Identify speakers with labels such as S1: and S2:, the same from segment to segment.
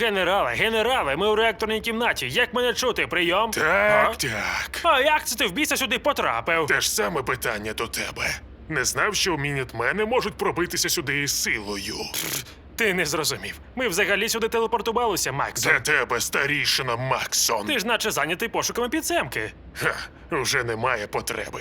S1: Генерале, ми у реакторній кімнаті. Як мене чути? Прийом?
S2: Так.
S1: А як це ти в біса сюди потрапив?
S2: Те ж саме питання до тебе. Не знав, що мінітмени можуть пробитися сюди із силою.
S1: Ти не зрозумів. Ми взагалі сюди телепортувалися, Максон.
S2: Для тебе, старішина Максон.
S1: Ти ж наче зайнятий пошуками підземки.
S2: Ха, вже немає потреби.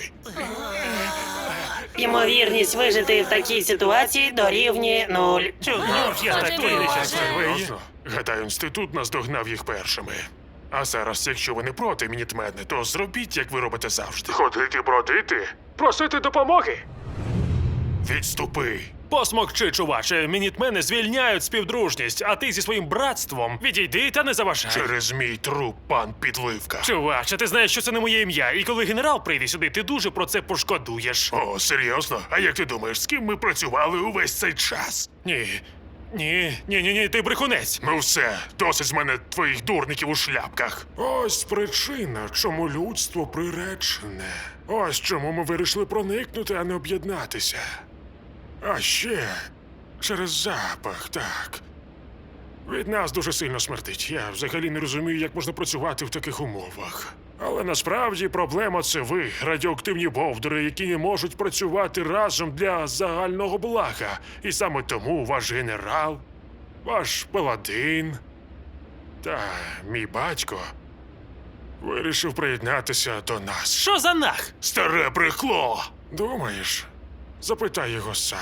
S3: Ймовірність вижити в такій ситуації дорівнює 0.
S1: Чудно, я такий нещасливий.
S2: Серйозно? Гадаю, інститут наздогнав їх першими. А зараз, якщо ви не проти, мінітмени, то зробіть, як ви робите завжди. Ходити, бродити, просити допомоги. Відступи.
S1: Посмокчи, чуваче, мінітмени звільняють співдружність, а ти зі своїм братством відійди та не заважай.
S2: Через мій труп, пан Підливка.
S1: Чуваче, ти знаєш, що це не моє ім'я, і коли генерал прийде сюди, ти дуже про це пошкодуєш.
S2: О, серйозно? А як ти думаєш, з ким ми працювали увесь цей час?
S1: Ні, ти брехунець.
S2: Ну все, досить з мене твоїх дурників у шляпках. Ось причина, чому людство приречене. Ось чому ми вирішили проникнути, а не об'єднатися. А ще через запах, так. Від нас дуже сильно смердить. Я взагалі не розумію, як можна працювати в таких умовах. Але насправді проблема це ви, радіоактивні бовдури, які не можуть працювати разом для загального блага. І саме тому ваш генерал, ваш паладин та мій батько вирішив приєднатися до нас.
S1: Що за нах?
S2: Старе брехло! Думаєш? Запитай його сам.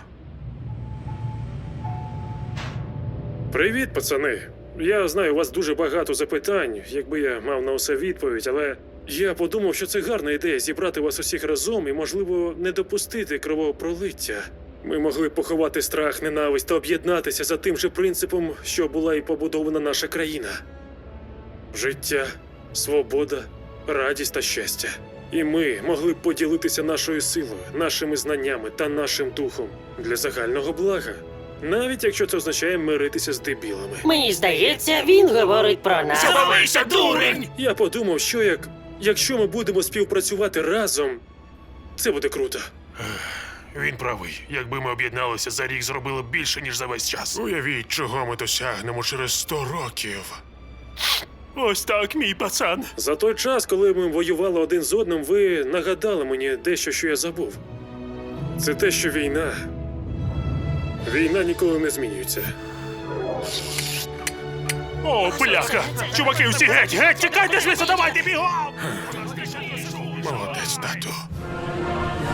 S4: Привіт, пацани. Я знаю, у вас дуже багато запитань, якби я мав на усе відповідь, але я подумав, що це гарна ідея зібрати вас усіх разом і, можливо, не допустити кровопролиття. Ми могли б поховати страх, ненависть та об'єднатися за тим же принципом, що була і побудована наша країна. Життя, свобода, радість та щастя. І ми могли б поділитися нашою силою, нашими знаннями та нашим духом для загального блага. Навіть якщо це означає миритися з дебілами.
S3: Мені здається, він говорить про нас.
S2: Завалися, дурень!
S4: Я подумав, що якщо ми будемо співпрацювати разом, це буде круто.
S2: Він правий. Якби ми об'єдналися за рік, зробили б більше, ніж за весь час. Уявіть, чого ми досягнемо через 100 років.
S1: Ось так, мій пацан.
S4: За той час, коли ми воювали один з одним, ви нагадали мені дещо, що я забув. Це те, що Війна ніколи не змінюється.
S1: О, бляха! Чуваки, всі геть! Тікайте звідси, давайте бігом!
S2: Молодець, тату.